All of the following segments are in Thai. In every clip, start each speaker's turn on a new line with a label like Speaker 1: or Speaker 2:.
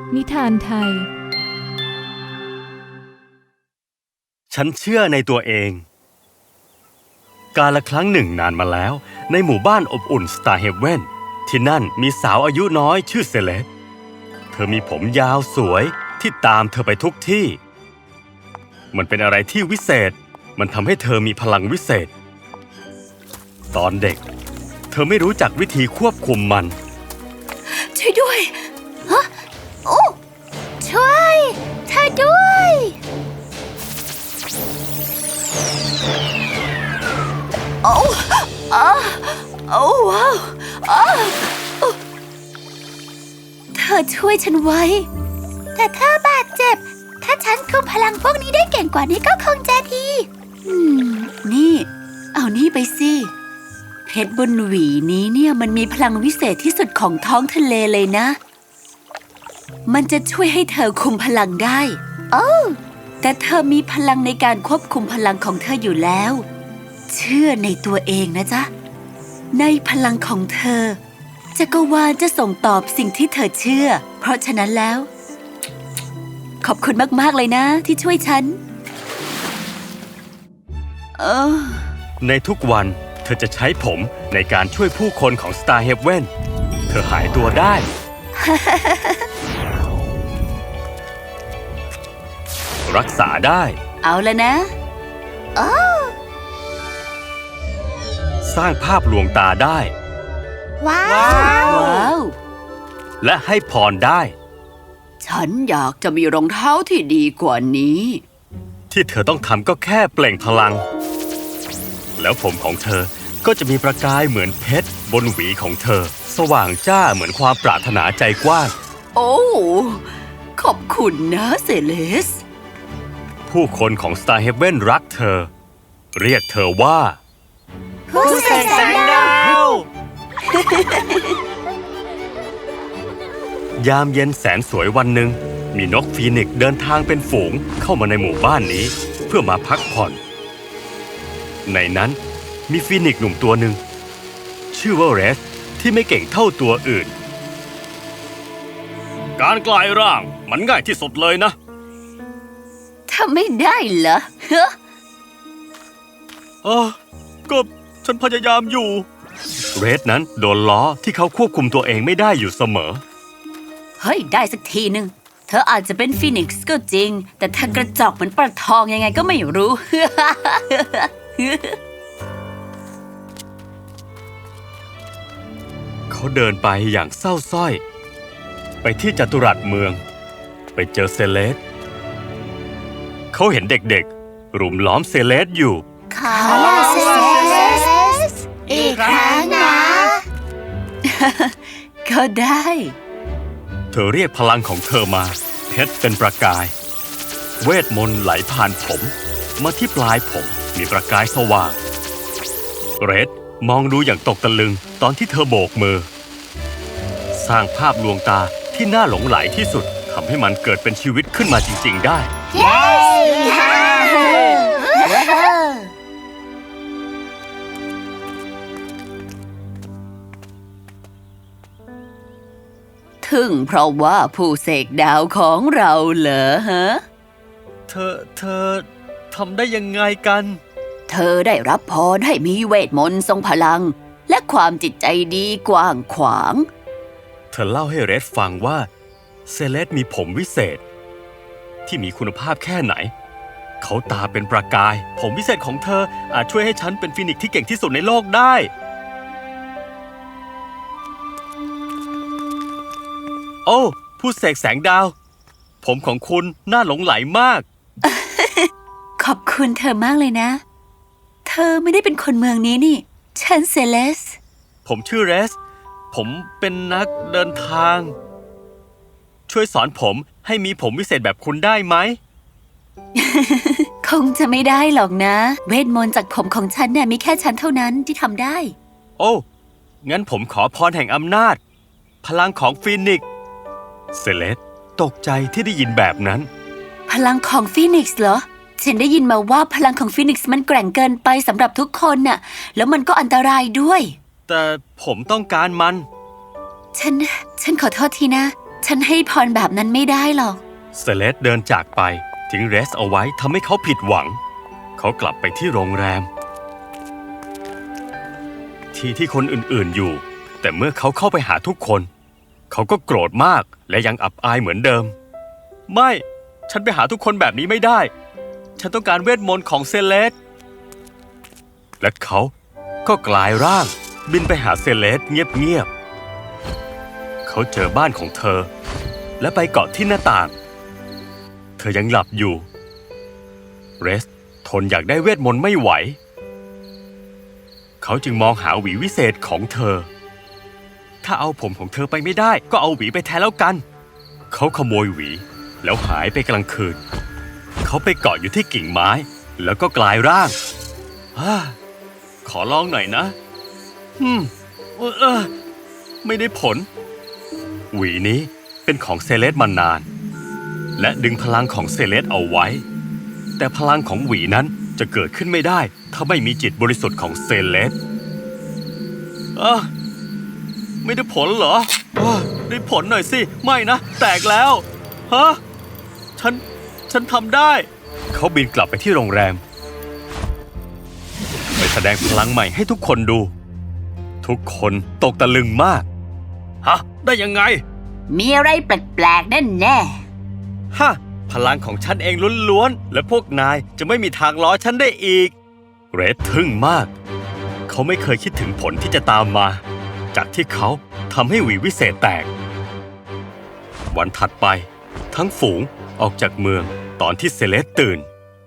Speaker 1: นิทานไทย
Speaker 2: ฉันเชื่อในตัวเองกาลครั้งหนึ่งนานมาแล้วในหมู่บ้านอบอุ่นสตาร์เฮเว่นที่นั่นมีสาวอายุน้อยชื่อเซเลสเธอมีผมยาวสวยที่ตามเธอไปทุกที่มันเป็นอะไรที่วิเศษมันทำให้เธอมีพลังวิเศษตอนเด็กเธอไม่รู้จักวิธีควบคุมมัน
Speaker 3: ช่วยด้วยฮะโอ้ช่วยเธอด้วยโอ้โอ้ว้าวเธอช่วยฉันไว้แต่เธอบาดเจ็บถ้าฉันคุมพลังพวกนี้ได้เก่งกว่านี้ก็คงจะดีนี่เอานี่ไปสิเพชรบนหวีนี้เนี่ยมันมีพลังวิเศษที่สุดของท้องทะเลเลยนะมันจะช่วยให้เธอคุมพลังได้โอ้แต่เธอมีพลังในการควบคุมพลังของเธออยู่แล้วเชื่อในตัวเองนะจ๊ะในพลังของเธอจักรวาลจะส่งตอบสิ่งที่เธอเชื่อเพราะฉะนั้นแล้วขอบคุณมากๆเลยนะที่ช่วยฉัน
Speaker 2: ในทุกวันเธอจะใช้ผมในการช่วยผู้คนของ Star Heaven เธอหายตัวได้ รักษาได้
Speaker 3: เอาละนะ
Speaker 2: สร้างภาพลวงตาได้
Speaker 3: ว้าว
Speaker 2: และให้พรได้
Speaker 3: ฉันอยากจะมีรองเท้าที่ดีกว่านี้
Speaker 2: ที่เธอต้องทำก็แค่เปล่งพลังแล้วผมของเธอก็จะมีประกายเหมือนเพชรบนหวีของเธอสว่างจ้าเหมือนความปรารถนาใจกว้าง
Speaker 3: โอ้ขอบคุณนะเซเลส
Speaker 2: ผู้คนของ Star Heaven รักเธอเรียกเธอว่า
Speaker 3: ผู้เสกแสงดา
Speaker 2: วยามเย็นแสนสวยวันหนึ่งมีนกฟีนิกซ์เดินทางเป็นฝูงเข้ามาในหมู่บ้านนี้เพื่อมาพักผ่อนในนั้นมีฟีนิกซ์หนุ่มตัวหนึ่งชื่อว่าเรสที่ไม่เก่งเท่าตัวอื่นการกลายร่างมันง่ายที่สุดเลยนะ
Speaker 3: ทำไม่ได้เหรอ
Speaker 2: ก็ฉันพยายามอยู่เรสนั้นโดนล้อที่เขาควบคุมตัวเองไม่ได้อยู่เสมอ
Speaker 3: เฮ้ยได้สักทีหนึ่งเธออาจจะเป็นฟีนิกซ์ก็จริงแต่ถ้ากระจอกเหมือนปลาทองยังไงก็ไม่รู้
Speaker 2: เขาเดินไปอย่างเศร้าส้อยไปที่จัตุรัสเมืองไปเจอเซเลสเขาเห็นเด็กๆรุมล้อมเซเลสอยู่
Speaker 3: ขอลาเซเลสอีกครั้งนะก็ได้
Speaker 2: เธอเรียกพลังของเธอมาเพชรเป็นประกายเวทมนต์ไหลผ่านผมมาที่ปลายผมมีประกายสว่างเรดมองดูอย่างตกตะลึงตอนที่เธอโบกมือสร้างภาพลวงตาที่น่าหลงไหลที่สุดทำให้มันเกิดเป็นชีวิตขึ้นมาจริงๆได้
Speaker 3: ถึงเพราะว่าผู้เสกดาวของเราเหรอฮะ
Speaker 2: เธอทำได้ยังไงกัน
Speaker 3: เธอได้รับพรให้มีเวทมนต์ทรงพลังและความจิตใจดีกว้างขวาง
Speaker 2: เธอเล่าให้เรดฟังว่าเซเลสมีผมวิเศษที่มีคุณภาพแค่ไหนเขาตาเป็นประกายผมวิเศษของเธออาจช่วยให้ฉันเป็นฟีนิกซ์ที่เก่งที่สุดในโลกได้โอ้ผู้เสกแสงดาวผมของคุณน่าหลงไหลมาก
Speaker 3: ขอบคุณเธอมากเลยนะเธอไม่ได้เป็นคนเมืองนี้นี่ฉันเซเลส
Speaker 2: ผมชื่อเรสผมเป็นนักเดินทางช่วยสอนผมให้มีผมวิเศษแบบคุณได้ไหม
Speaker 3: คงจะไม่ได้หรอกนะเวทมนต์จากผมของฉันเนี่ยมีแค่ฉันเท่านั้นที่ทำได้
Speaker 2: โอ้งั้นผมขอพรแห่งอำนาจพลังของฟีนิกซ์เซเลสตกใจที่ได้ยินแบบนั้น
Speaker 3: พลังของฟีนิกซ์เหรอฉันได้ยินมาว่าพลังของฟีนิกซ์มันแกร่งเกินไปสำหรับทุกคนน่ะแล้วมันก็อันตรายด้วย
Speaker 2: แต่ผมต้องการมัน
Speaker 3: ฉันขอโทษทีนะฉันให้พรแบบนั้นไม่ได้หรอก
Speaker 2: เซเลสเดินจากไปทิ้งเรสเอาไว้ทำให้เขาผิดหวัง เขากลับไปที่โรงแรมที่คนอื่นๆอยู่ แต่เมื่อเขาเข้าไปหาทุกคน เขาก็โกรธมากและยังอับอายเหมือนเดิม ไม่ฉันไปหาทุกคนแบบนี้ไม่ได้ ฉันต้องการเวทมนต์ของเซเลสและเขาก็กลายร่างบินไปหาเซเลสเงียบๆเขาเจอบ้านของเธอและไปเกาะที่หน้าต่างเธอยังหลับอยู่เรสทนอยากได้เวทมนต์ไม่ไหวเขาจึงมองหาหวีวิเศษของเธอถ้าเอาผมของเธอไปไม่ได้ก็เอาหวีไปแทนแล้วกันเขาขโมยหวีแล้วหายไปกลางคืนเขาไปเกาะอยู่ที่กิ่งไม้แล้วก็กลายร่างขอลองหน่อยนะไม่ได้ผลหวีนี้เป็นของเซเลสมานานและดึงพลังของเซเลสเอาไว้แต่พลังของหวีนั้นจะเกิดขึ้นไม่ได้ถ้าไม่มีจิตบริสุทธิ์ของเซเลสไม่ได้ผลเหรอได้ผลหน่อยสิไม่นะแตกแล้วฉันทำได้เขาบินกลับไปที่โรงแรมไปแสดงพลังใหม่ให้ทุกคนดูทุกคนตกตะลึงมากได้ยังไง
Speaker 3: มีอะไรแปลกๆแน่
Speaker 2: พลังของฉันเองล้วนๆและพวกนายจะไม่มีทางล้อฉันได้อีกเรดทึ่งมากเขาไม่เคยคิดถึงผลที่จะตามมาจากที่เขาทำให้หวีวิเศษแตกวันถัดไปทั้งฝูงออกจากเมืองตอนที่เซเลสตื่น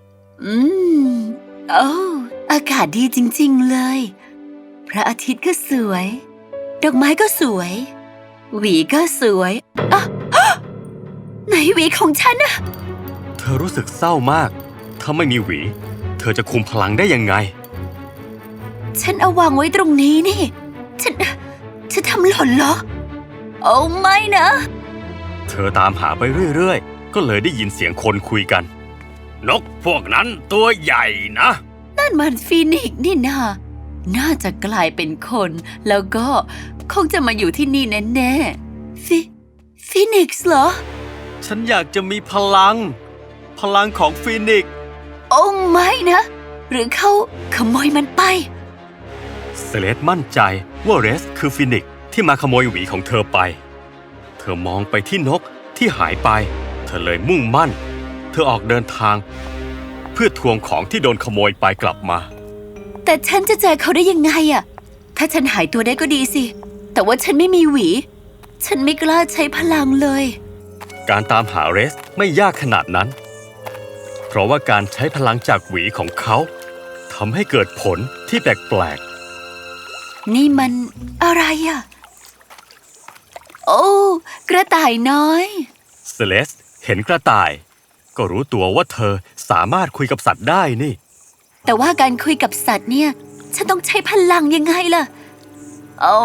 Speaker 3: อากาศดีจริงๆเลยพระอาทิตย์ก็สวยดอกไม้ก็สวยหวีก็สวยไหนหวีของฉันอะ
Speaker 2: เธอรู้สึกเศร้ามากถ้าไม่มีหวีเธอจะคุมพลังได้ยังไง
Speaker 3: ฉันเอาวางไว้ตรงนี้นี่ฉันทำหล่นเหรอโอ้ไม่นะ
Speaker 2: เธอตามหาไปเรื่อยๆก็เลยได้ยินเสียงคนคุยกันนกพวกนั้นตัวใหญ่นะ
Speaker 3: นั่นมันฟีนิกซ์นี่นาน่าจะกลายเป็นคนแล้วก็คงจะมาอยู่ที่นี่แน่ๆฟีนิกซ์เหรอ
Speaker 2: ฉันอยากจะมีพลังของฟีนิกซ์
Speaker 3: โอ้ไม่นะหรือเขาขโมยมันไป
Speaker 2: เซเลสมั่นใจว่าเรสคือฟีนิกซ์ที่มาขโมยหวีของเธอไปเธอมองไปที่นกที่หายไปเธอเลยมุ่งมั่นเธอออกเดินทางเพื่อทวงของที่โดนขโมยไปกลับมา
Speaker 3: แต่ฉันจะเจอเขาได้ยังไงอะถ้าฉันหายตัวได้ก็ดีสิแต่ว่าฉันไม่มีหวีฉันไม่กล้าใช้พลังเลย
Speaker 2: การตามหาเรสไม่ยากขนาดนั้นเพราะว่าการใช้พลังจากหวีของเขาทำให้เกิดผลที่แปลก
Speaker 3: ๆนี่มันอะไรอะโอ้กระต่ายน้อย
Speaker 2: เซเลสเห็นกระต่ายก็รู้ตัวว่าเธอสามารถคุยกับสัตว์ได้นี่
Speaker 3: แต่ว่าการคุยกับสัตว์เนี่ยฉันต้องใช้พลังยังไงล่ะโอ้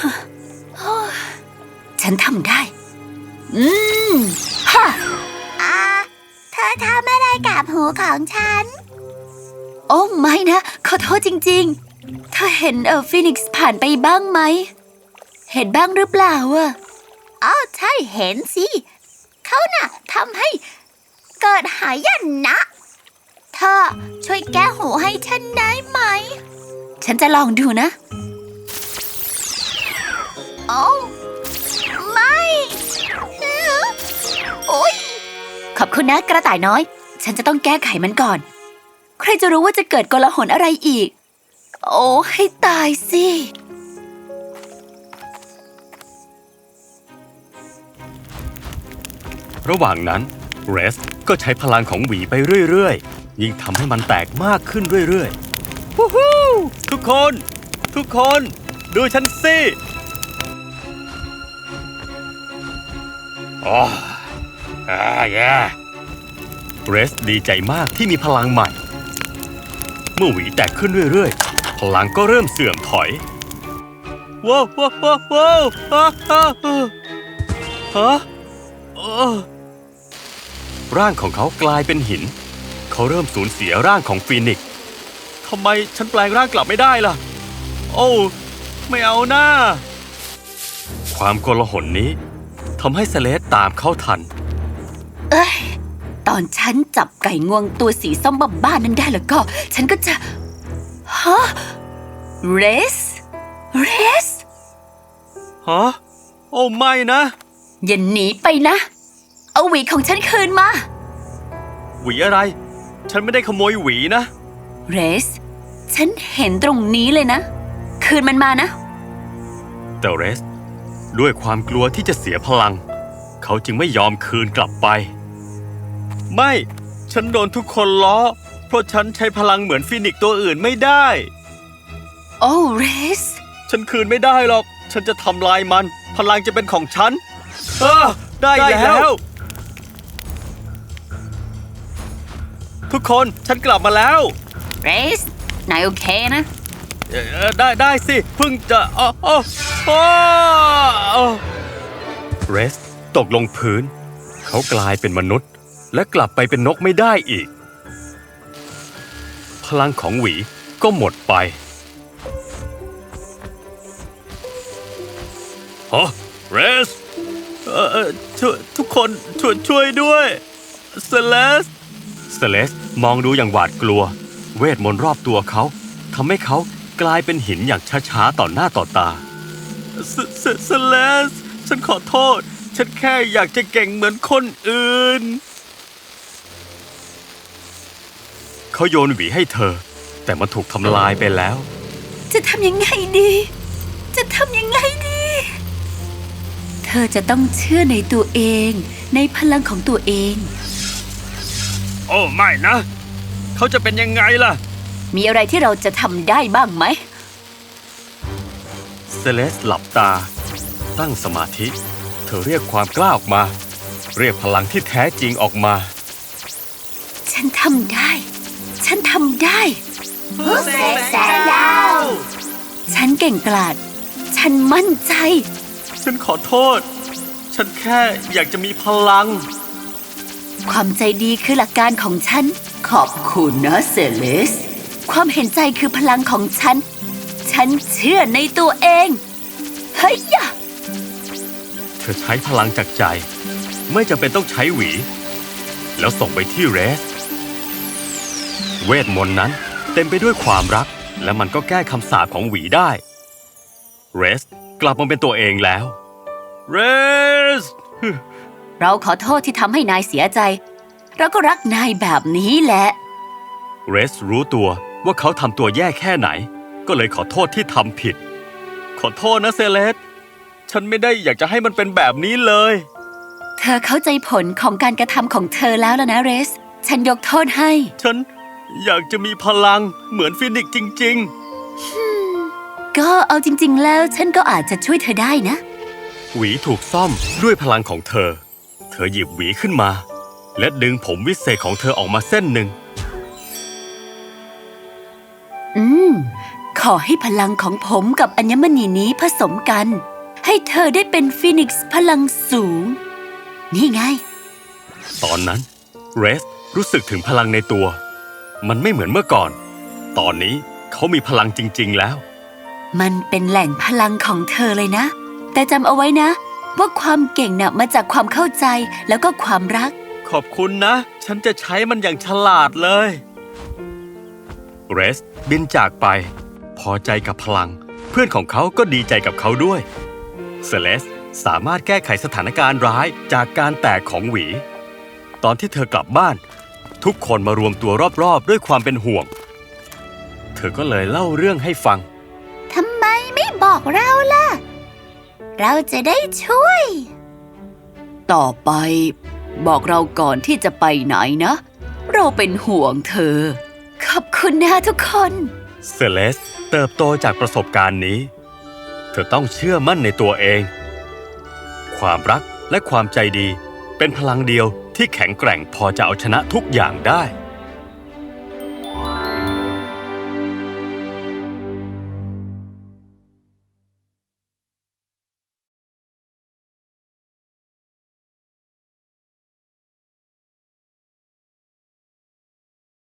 Speaker 3: ฉันทำได้
Speaker 1: เธอทำอะไรกับหูของฉัน
Speaker 3: โอ้ไม่นะขอโทษจริงๆเธอเห็นฟีนิกซ์ผ่านไปบ้างไหมเห็นบ้างหรือเปล่า
Speaker 1: ใช่เห็นสิเขาน่ะทำให้เกิดหายนะเธอช่วยแก้หูให้ฉันได้ไหม
Speaker 3: ฉันจะลองดูนะ
Speaker 1: ไม่โอ๊ย
Speaker 3: ขอบคุณนะกระต่ายน้อยฉันจะต้องแก้ไขมันก่อนใครจะรู้ว่าจะเกิดโกลาหลอะไรอีกโอ้ให้ตายสิ
Speaker 2: ระหว่างนั้นเรสก็ใช้พลังของหวีไปเรื่อยๆยิ่งทำให้มันแตกมากขึ้นเรื่อยๆวู้ฮู้ทุกคนดูฉันสิเรสดีใจมากที่มีพลังใหม่เมื่อหวีแตกขึ้นเรื่อยๆพลังก็เริ่มเสื่อมถอยว้าวร่างของเขากลายเป็นหินเขาเริ่มสูญเสียร่างของฟีนิกซ์ทำไมฉันแปลงร่างกลับไม่ได้ล่ะโอ้ไม่เอาหน้าความโกลาหลนี้ททำให้เซเลสตามเข้าทัน
Speaker 3: เอ้ย ตอนฉันจับไก่งวงตัวสีส้มบ้าๆนั้นได้แล้วก็ ฉันก็จะฮะเรส
Speaker 2: ฮะ โอ้ไม่นะ
Speaker 3: อย่าหนีไปนะ เอาหวีของฉันคืนมา
Speaker 2: หวีอะไร ฉันไม่ได้ขโมยหวีนะ
Speaker 3: เรส ฉันเห็นตรงนี้เลยนะ คืนมันมานะ
Speaker 2: แต่เรส ด้วยความกลัวที่จะเสียพลัง เขาจึงไม่ยอมคืนกลับไป ไม่ ฉันโดนทุกคนล้อ เพราะฉันใช้พลังเหมือนฟีนิกซ์ตัวอื่นไม่ได้
Speaker 3: โอ้เรส
Speaker 2: ฉันคืนไม่ได้หรอก ฉันจะทำลายมัน พลังจะเป็นของฉันได้แล้ว ทุกคนฉันกลับมาแล้ว
Speaker 3: เรส นายโอเคนะ
Speaker 2: ได้สิเพิ่งจะเรสตกลงพื้น เขากลายเป็นมนุษย์ และกลับไปเป็นนกไม่ได้อีก พลังของหวีก็หมดไปฮะเรสทุกคนช่วยด้วยเซเลสมองดูอย่างหวาดกลัว เวทมนต์รอบตัวเขาทำให้เขากลายเป็นหินอย่างช้าๆต่อหน้าต่อตาเซเลสฉันขอโทษ ฉันแค่อยากจะเก่งเหมือนคนอื่น เขาโยนหวีให้เธอ แต่มันถูกทำลายไปแล้ว
Speaker 3: จะทำยังไงดี เธอจะต้องเชื่อในตัวเอง ในพลังของตัวเอง
Speaker 2: โอ้ไม่นะ เขาจะเป็นยังไงล่ะ
Speaker 3: มีอะไรที่เราจะทำได้บ้างไหม
Speaker 2: เซเลสหลับตา ตั้งสมาธิ เธอเรียกความกล้าออกมา เรียกพลังที่แท้จริงออกมา
Speaker 3: ฉันทำได้
Speaker 1: ผู้เสกแสงดาว
Speaker 3: ฉันเก่งกล้าดฉันมั่นใจ
Speaker 2: ฉันขอโทษ ฉันแค่อยากจะมีพลัง
Speaker 3: ความใจดีคือหลักการของฉัน ขอบคุณนะเซเลส ความเห็นใจคือพลังของฉัน ฉันเชื่อในตัวเอง เฮ้ยยะ
Speaker 2: เธอใช้พลังจากใจ ไม่จำเป็นต้องใช้หวี แล้วส่งไปที่เรส เวทมนต์นั้นเต็มไปด้วยความรัก และมันก็แก้คำสาปของหวีได้ เรสกลับมาเป็นตัวเองแล้ว เรส
Speaker 3: เราขอโทษที่ทำให้นายเสียใจ เราก็รักนายแบบนี้แหละ
Speaker 2: เรสรู้ตัวว่าเขาทำตัวแย่แค่ไหน ก็เลยขอโทษที่ทำผิด ขอโทษนะเซเลส ฉันไม่ได้อยากจะให้มันเป็นแบบนี้เลย
Speaker 3: เธอเข้าใจผลของการกระทำของเธอแล้วนะเรส ฉันยกโทษให้
Speaker 2: ฉันอยากจะมีพลังเหมือนฟินิกซ์จริง
Speaker 3: ก็เอาจริงๆแล้วฉันก็อาจจะช่วยเธอได้นะ
Speaker 2: ๆ หวีถูกซ่อมด้วยพลังของเธอ เธอหยิบหวีขึ้นมา และดึงผมวิเศษของเธอออกมาเส้นหนึ่ง
Speaker 3: ขอให้พลังของผมกับอัญมณีนี้ผสมกัน ให้เธอได้เป็นฟีนิกซ์พลังสูง นี่ไง
Speaker 2: ตอนนั้นเรสรู้สึกถึงพลังในตัว มันไม่เหมือนเมื่อก่อน ตอนนี้เขามีพลังจริงๆแล้ว
Speaker 3: มันเป็นแหล่งพลังของเธอเลยนะ แต่จำเอาไว้นะ ว่าความเก่งน่ะมาจากความเข้าใจแล้วก็ความรัก
Speaker 2: ขอบคุณนะ ฉันจะใช้มันอย่างฉลาดเลย เรสบินจากไป พอใจกับพลัง เพื่อนของเขาก็ดีใจกับเขาด้วย เซเลสสามารถแก้ไขสถานการณ์ร้ายจากการแตกของหวี ตอนที่เธอกลับบ้าน ทุกคนมารวมตัวรอบๆด้วยความเป็นห่วง เธอก็เลยเล่าเรื่องให้ฟัง
Speaker 1: ทำไมไม่บอกเราล่ะ เราจะได้ช่วย
Speaker 3: ต่อไป บอกเราก่อนที่จะไปไหนนะ เราเป็นห่วงเธอ ขอบคุณนะทุกคน
Speaker 2: เซเลสเติบโตจากประสบการณ์นี้ เธอต้องเชื่อมั่นในตัวเอง ความรักและความใจดีเป็นพลังเดียวที่แข็งแกร่งพอจะเอาชนะทุกอย่างได้